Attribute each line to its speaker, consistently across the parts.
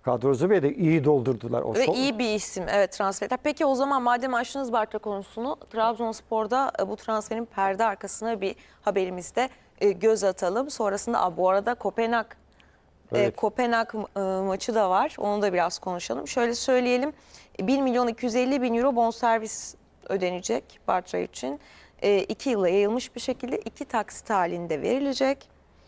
Speaker 1: kadrosu ve de iyi doldurdular. O
Speaker 2: Ve iyi bir isim, evet, transferler. Peki o zaman madem açtınız Bartra konusunu, Trabzonspor'da bu transferin perde arkasına bir haberimizde göz atalım. Sonrasında bu arada Kopenhag
Speaker 1: Evet.
Speaker 2: Kopenhag maçı da var. Onu da biraz konuşalım. Şöyle söyleyelim. 1 milyon 250 bin euro bonservis ödenecek Bartra için. 2 yıla yayılmış bir şekilde 2 taksit halinde verilecek.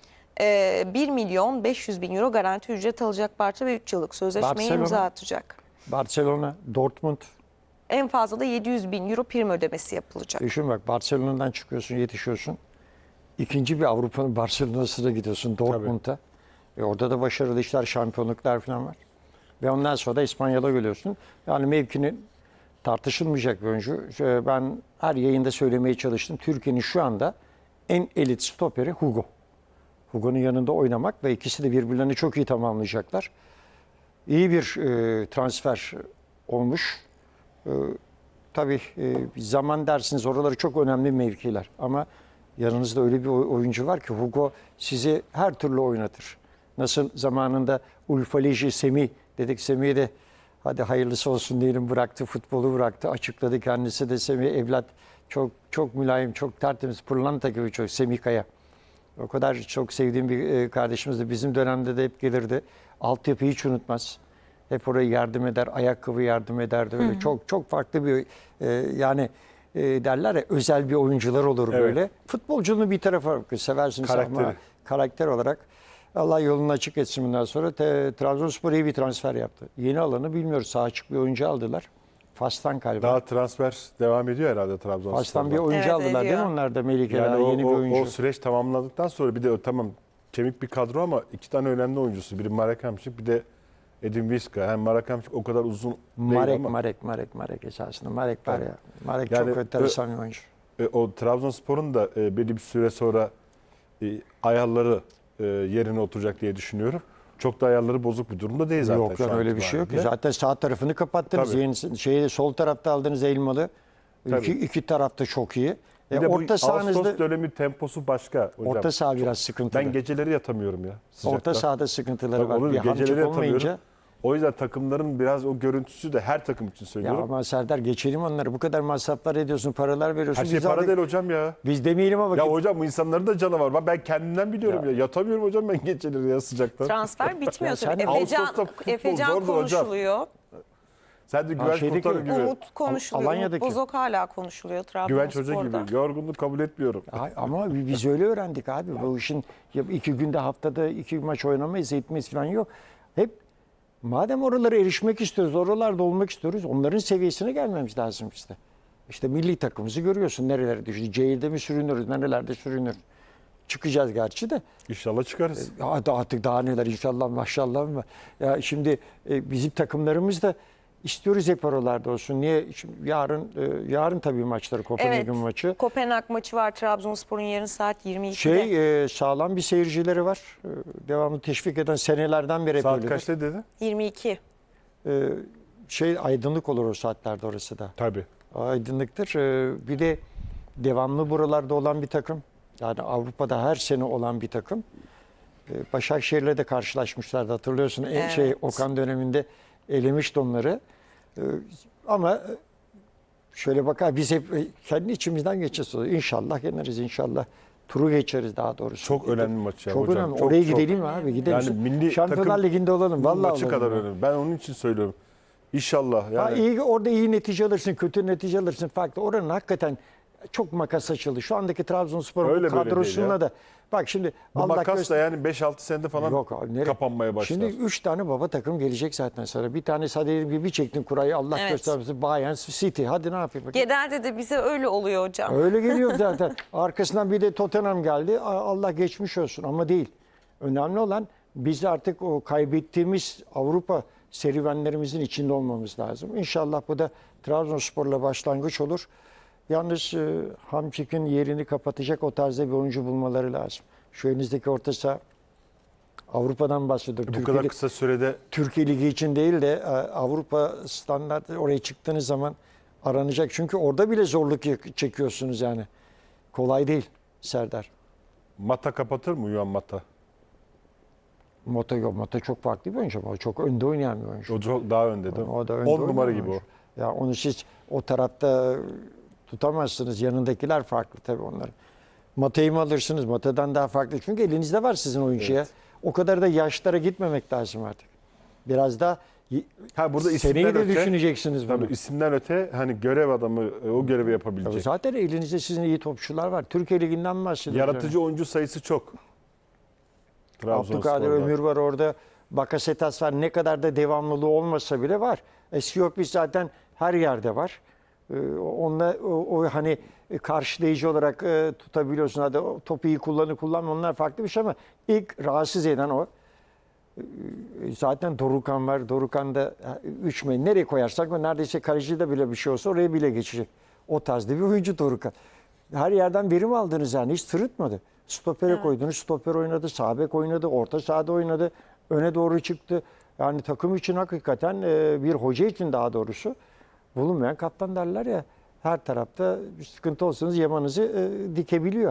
Speaker 2: 1 milyon 500 bin euro garanti ücret alacak Bartra ve 3 yıllık sözleşmeyi imza atacak.
Speaker 1: Barcelona, Dortmund.
Speaker 2: En fazla da 700 bin euro prim ödemesi yapılacak.
Speaker 1: Düşün bak, Barcelona'dan çıkıyorsun, yetişiyorsun. İkinci bir Avrupa'nın Barcelona'sına gidiyorsun, Dortmund'a. Orada da başarılı işler, şampiyonluklar falan var. Ve ondan sonra da İspanya'da geliyorsun. Yani mevkinin tartışılmayacak bir oyuncu. Ben her yayında söylemeye çalıştım. Türkiye'nin şu anda en elit stoperi Hugo. Hugo'nun yanında oynamak ve ikisi de birbirlerini çok iyi tamamlayacaklar. İyi bir transfer olmuş. Tabii zaman dersiniz, oraları çok önemli mevkiler. Ama yanınızda öyle bir oyuncu var ki Hugo sizi her türlü oynatır. Nasıl zamanında Ulfaleji Semih dedik, Semih'e de hadi hayırlısı olsun diyelim, bıraktı, futbolu bıraktı, açıkladı kendisi de. Semih evlat çok çok mülayim, çok tertemiz, pırlanta gibi çok. Semih Kaya. O kadar çok sevdiğim bir kardeşimizdi. Bizim dönemde de hep gelirdi. Altyapıyı hiç unutmaz. Hep oraya yardım eder, ayakkabı yardım ederdi. Öyle çok çok farklı bir yani derler ya, özel bir oyuncular olur böyle. Futbolculuğunu bir tarafa bırakır, seversiniz ama karakter olarak Allah yolunu açık etsin bundan sonra. Trabzonspor iyi bir transfer yaptı. Yeni alanı bilmiyoruz. Sağ açık bir oyuncu aldılar. Fas'tan galiba.
Speaker 3: Daha transfer devam ediyor herhalde Trabzonspor'da.
Speaker 1: Fas'tan bir oyuncu aldılar değil mi onlar da, Melike?
Speaker 3: Yani
Speaker 1: yeni bir oyuncu.
Speaker 3: O süreç tamamladıktan sonra bir de tamam kemik bir kadro ama iki tane önemli oyuncusu. Biri Marek Hamšík, bir de Edin Viska. Hem Marek Hamšík o kadar uzun değil ama.
Speaker 1: Marek esasında. Marek var ya. Marek yani, çok enteresan bir oyuncu.
Speaker 3: O Trabzonspor'un da belli bir süre sonra ayarları yerine oturacak diye düşünüyorum. Çok da ayarları bozuk bir durumda değil zaten.
Speaker 1: Yok, yani öyle bir şey yok. Zaten sağ tarafını kapattınız. Yeni, sol tarafta aldığınız Elmalı. İki tarafta çok iyi.
Speaker 3: Bir de orta sahanızda Ağustos dönemi temposu başka hocam.
Speaker 1: Orta saha biraz sıkıntılı.
Speaker 3: Ben geceleri yatamıyorum ya.
Speaker 1: Orta sahada sıkıntıları var.
Speaker 3: Geceleri yatamıyorum. O yüzden takımların biraz o görüntüsü de her takım için söylüyorum.
Speaker 1: Ya ama Serdar, geçelim onları. Bu kadar masraflar ediyorsun, paralar veriyorsun.
Speaker 3: Her şey para değil hocam ya.
Speaker 1: Biz demeyelim ama.
Speaker 3: Ya hocam bu insanların da canı var. Ben kendimden biliyorum ya. Yatamıyorum hocam ben geceleri ya sıcaktan.
Speaker 2: Transfer bitmiyor tabii. Efecan konuşuluyor.
Speaker 3: Hocam. Sen de Güvenç kurtarır gibi.
Speaker 2: Umut konuşuluyor. Umut Bozok hala konuşuluyor Trabzonspor'da.
Speaker 3: Güvenç Hoca gibi. Yorgunluk kabul etmiyorum.
Speaker 1: Ama biz öyle öğrendik abi. Bu işin 2 günde, haftada 2 maç oynamayız, etmeyiz falan yok. Hep madem oralara erişmek istiyoruz, oralarda olmak istiyoruz, onların seviyesine gelmemiz lazım işte. İşte milli takımımızı görüyorsun, nerelere düştü. C'de mi sürünürüz, nerelerde sürünür. Çıkacağız gerçi de.
Speaker 3: İnşallah çıkarız.
Speaker 1: Artık daha neler, inşallah maşallah mı? Ya şimdi bizim takımlarımız da İstiyoruz hep oralarda olsun. Niye? Şimdi yarın tabii maçları, Kopenhag'ın maçı.
Speaker 2: Kopenhag maçı var. Trabzonspor'un yarın saat 22'de.
Speaker 1: Sağlam bir seyircileri var. Devamlı teşvik eden, senelerden beri.
Speaker 3: Saat kaçta dedi?
Speaker 2: 22.
Speaker 1: Aydınlık olur o saatlerde orası da.
Speaker 3: Tabii.
Speaker 1: Aydınlıktır. Bir de devamlı buralarda olan bir takım. Yani Avrupa'da her sene olan bir takım. Başakşehir'le de karşılaşmışlardı, hatırlıyorsun.
Speaker 2: Evet.
Speaker 1: Okan döneminde elemişti onları. Ama şöyle bakar, biz hep kendi içimizden geçeceğiz. İnşallah yeneriz, inşallah turu geçeriz daha doğrusu.
Speaker 3: Çok önemli maç ya
Speaker 1: çok
Speaker 3: hocam.
Speaker 1: Önemli. Oraya gidelim abi. Gidelim. Yani
Speaker 3: milli
Speaker 1: Şampiyonlar Ligi'nde olalım. Vallahi
Speaker 3: maçı kadar önemli. Ben onun için söylüyorum. İnşallah. Yani.
Speaker 1: Orada iyi netice alırsın, kötü netice alırsın farklı. Oranın hakikaten çok makas açıldı. Şu andaki Trabzonspor kadrosuna da. Bak şimdi
Speaker 3: bu makas da yani 5-6 senede falan kapanmaya başlar.
Speaker 1: Şimdi 3 tane baba takım gelecek zaten sonra. Bir tanesi hadi bir çektin kurayı, Allah göstermesin, Bayern City. Hadi ne yapayım?
Speaker 2: Genelde de bize öyle oluyor hocam.
Speaker 1: Öyle geliyor zaten. Arkasından bir de Tottenham geldi. Allah geçmiş olsun ama değil. Önemli olan biz artık o kaybettiğimiz Avrupa serüvenlerimizin içinde olmamız lazım. İnşallah bu da Trabzonspor'la başlangıç olur. Yalnız Hamšík'in yerini kapatacak o tarzda bir oyuncu bulmaları lazım. Şu elinizdeki orta saha Avrupa'dan bahsediyor.
Speaker 3: Bu kadar kısa sürede
Speaker 1: Türkiye Ligi için değil de Avrupa standartı, oraya çıktığınız zaman aranacak. Çünkü orada bile zorluk çekiyorsunuz yani. Kolay değil Serdar.
Speaker 3: Mata kapatır mı Yuan Mata?
Speaker 1: Mota çok farklı bir oyuncu ama o çok önde oynayan bir oyuncu.
Speaker 3: O çok daha önde değil mi?
Speaker 1: O da önde
Speaker 3: 10 numara
Speaker 1: oynayan
Speaker 3: gibi o.
Speaker 1: oyuncu. Ya onu siz o tarafta tutamazsınız. Yanındakiler farklı tabii onların. Mata'yı mı alırsınız? Mata'dan daha farklı. Çünkü elinizde var sizin oyuncuya.
Speaker 3: Evet.
Speaker 1: O kadar da yaşlara gitmemek lazım artık. Biraz daha
Speaker 3: Burada
Speaker 1: seneyi
Speaker 3: isimden
Speaker 1: de
Speaker 3: öte,
Speaker 1: düşüneceksiniz bunu.
Speaker 3: tabii isimden öte hani görev adamı o görevi
Speaker 1: Tabii
Speaker 3: yapabilecek.
Speaker 1: zaten elinizde sizin iyi topçular var. Türkiye Ligi'nden bahsediyoruz.
Speaker 3: Yaratıcı oyuncu sayısı çok.
Speaker 1: Abdülkadir
Speaker 3: Trabzonspor'da.
Speaker 1: Ömür var orada. Bakasetas var. Ne kadar da devamlılığı olmasa bile var. Siyokvic zaten her yerde var. Onunla o hani karşılayıcı olarak tutabiliyorsun. Hadi o topu iyi kullanma onlar farklı bir şey ama ilk rahatsız eden o. Zaten Dorukhan var. Dorukhan da 3 metre nereye koyarsak o neredeyse kalecide bile bir şey olsa oraya bile geçecek. O tarzda bir oyuncu Dorukhan. Her yerden verim aldınız yani hiç sırıtmadı. Stopere koydunuz, stoper oynadı, sağ bek oynadı, orta sahada oynadı, öne doğru çıktı. Yani takım için hakikaten bir hoca için daha doğrusu bulunmayan kaptan derler ya. Her tarafta bir sıkıntı olsanız yamanızı dikebiliyor.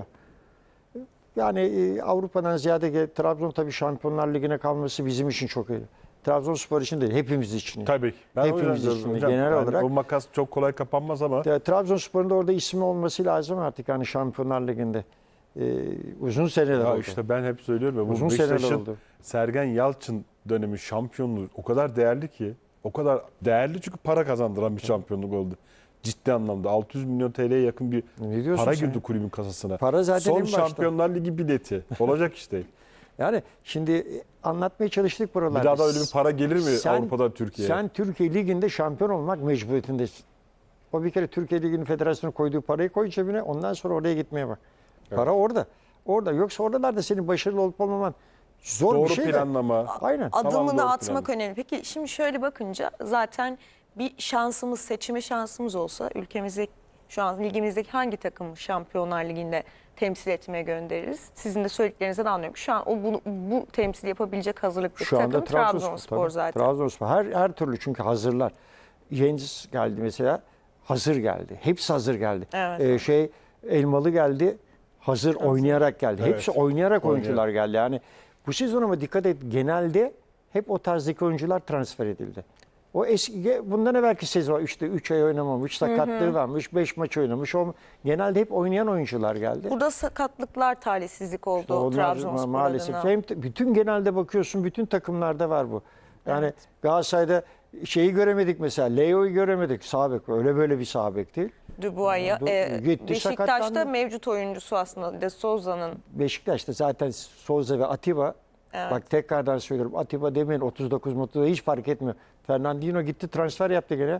Speaker 1: Yani Avrupa'dan ziyade Trabzon tabii Şampiyonlar Ligi'ne kalması bizim için çok iyi. Trabzonspor için değil, hepimiz için.
Speaker 3: Tabii ki. Ben
Speaker 1: Hepimiz
Speaker 3: o yüzden
Speaker 1: için
Speaker 3: diyorum hocam.
Speaker 1: genel
Speaker 3: Yani
Speaker 1: olarak.
Speaker 3: o makas çok kolay kapanmaz ama
Speaker 1: Trabzonspor'un da orada ismi olması lazım artık yani Şampiyonlar Ligi'nde. Uzun seneler
Speaker 3: ya
Speaker 1: oldu.
Speaker 3: işte ben hep söylüyorum ya bu
Speaker 1: Uzun seneler
Speaker 3: Beşiktaş'ın
Speaker 1: oldu.
Speaker 3: Sergen Yalçın dönemi şampiyonluğu o kadar değerli ki, o kadar değerli çünkü para kazandıran bir şampiyonluk oldu. Ciddi anlamda 600 milyon TL'ye yakın bir
Speaker 1: Ne diyorsun
Speaker 3: para
Speaker 1: sen?
Speaker 3: girdi kulübün kasasına.
Speaker 1: Para zaten en
Speaker 3: Son
Speaker 1: başta.
Speaker 3: Şampiyonlar Ligi bileti. Olacak işte.
Speaker 1: Yani şimdi anlatmaya çalıştık buralarda.
Speaker 3: Bir daha da öyle bir para gelir mi Avrupa'da Türkiye'ye?
Speaker 1: Sen Türkiye Ligi'nde şampiyon olmak mecburiyetindesin. O bir kere Türkiye Ligi'nin federasyonu koyduğu parayı koy cebine ondan sonra oraya gitmeye bak. Para orada. Orada. Yoksa oralarda senin başarılı olup olmaman zor
Speaker 3: Doğru
Speaker 1: bir şey de.
Speaker 3: planlama.
Speaker 1: Aynen.
Speaker 3: Tamam,
Speaker 2: Adımını
Speaker 3: doğru
Speaker 2: atmak
Speaker 3: plan.
Speaker 2: önemli. Peki şimdi şöyle bakınca zaten bir şansımız, seçme şansımız olsa ülkemizde şu an ligimizdeki hangi takımı Şampiyonlar Ligi'nde temsil etmeye göndeririz? Sizin de söylediklerinizden anlıyorum. Şu an bu temsil yapabilecek hazırlıklı
Speaker 1: Şu anda
Speaker 2: takım Trabzonspor
Speaker 1: tabii.
Speaker 2: zaten.
Speaker 1: Trabzonspor her türlü çünkü hazırlar. Jens geldi mesela. Hazır geldi. Hepsi hazır geldi.
Speaker 2: Evet.
Speaker 1: Elmalı geldi. Hazır oynayarak geldi.
Speaker 3: Evet.
Speaker 1: Hepsi oynayarak
Speaker 3: Oynayarak.
Speaker 1: oyuncular geldi. Yani bu sezon ama dikkat et genelde hep o tarzdaki oyuncular transfer edildi. O eski bundan evvelki sezon işte 3 ay oynamamış, sakatlığı varmış, 5 maç oynamış. Genelde hep oynayan oyuncular geldi.
Speaker 2: Burada sakatlıklar talihsizlik oldu
Speaker 1: Onlar
Speaker 2: Trabzonspor
Speaker 1: maalesef.
Speaker 2: adına.
Speaker 1: Bütün genelde bakıyorsun bütün takımlarda var bu. Yani
Speaker 2: Evet.
Speaker 1: Galatasaray'da şeyi göremedik mesela. Leo'yu göremedik. Sağ bek. Öyle böyle bir sağ bek değil.
Speaker 2: Dubois'a.
Speaker 1: Gitti,
Speaker 2: Beşiktaş'ta
Speaker 1: sakatlandı.
Speaker 2: mevcut oyuncusu aslında De Souza'nın.
Speaker 1: Beşiktaş'ta zaten Souza ve Atiba.
Speaker 2: Evet.
Speaker 1: Bak tekrardan söylüyorum. Atiba demeyin 39 hiç fark etmiyor. Fernandinho gitti transfer yaptı gene.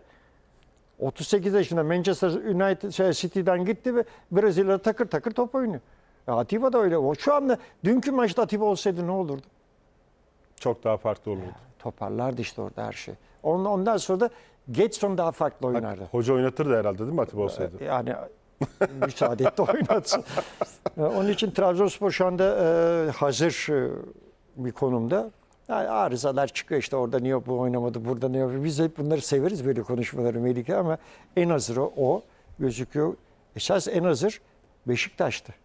Speaker 1: 38 yaşında Manchester United City'den gitti ve Brezilya'da takır takır top oynuyor. Atiba da öyle. O şu anda dünkü maçta Atiba olsaydı ne olurdu?
Speaker 3: Çok daha farklı olurdu.
Speaker 1: Toparlardı işte orada her şey. Ondan sonra da Getson daha farklı oynardı.
Speaker 3: Hoca oynatırdı herhalde değil mi Atiba olsaydı?
Speaker 1: Yani müsaade et de oynatsın. Onun için Trabzonspor şu anda hazır bir konumda. Yani arızalar çıkıyor işte orada niye bu oynamadı, burada niye bu. Biz hep bunları severiz böyle konuşmaları Melike ama en hazır o gözüküyor. Esas en hazır Beşiktaş'tı.